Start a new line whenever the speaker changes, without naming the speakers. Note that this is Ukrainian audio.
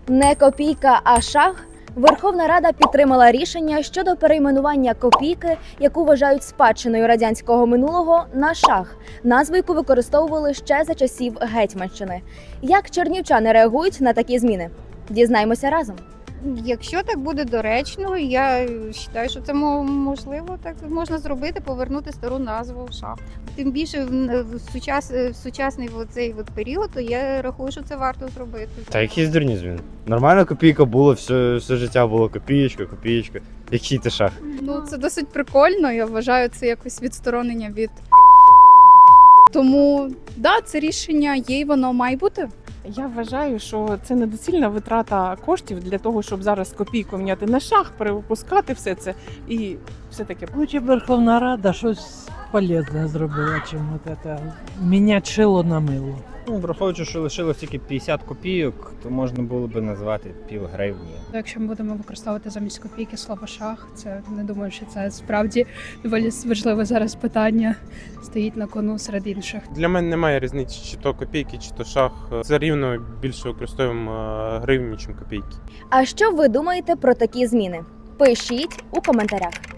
Не копійка, а шах. Верховна Рада підтримала рішення щодо перейменування копійки, яку вважають спадщиною радянського минулого, на шах, назву яку використовували ще за часів Гетьманщини. Як чернівчани реагують на такі зміни? Дізнаємося разом.
Якщо так буде доречно, я вважаю, що це можливо, так можна зробити, повернути стару назву шах. Тим більше в сучасний цей період, то я рахую, що це варто зробити.
Та якісь дурні зміни. Нормальна копійка була, все життя було копієчка. Який ти шах?
Ну, це досить прикольно, я вважаю, це якось відсторонення від. Тому, да, це рішення є і воно має бути.
Я вважаю, що це недоцільна витрата коштів для того, щоб зараз копійку міняти на шах, перевипускати все це і все таке.
Лучше б Верховна Рада щось полезне зробила, чим от це міняти шило на мило.
Ну, враховуючи, що лишилось тільки 50 копійок, то можна було би назвати півгривні.
Якщо ми будемо використовувати замість копійки слово шах, це не думаю, що це справді доволі важливе зараз питання стоїть на кону серед інших.
Для мене немає різниці, чи то копійки, чи то шах. Це рівно більше використовуємо гривні, ніж копійки.
А що ви думаєте про такі зміни? Пишіть у коментарях.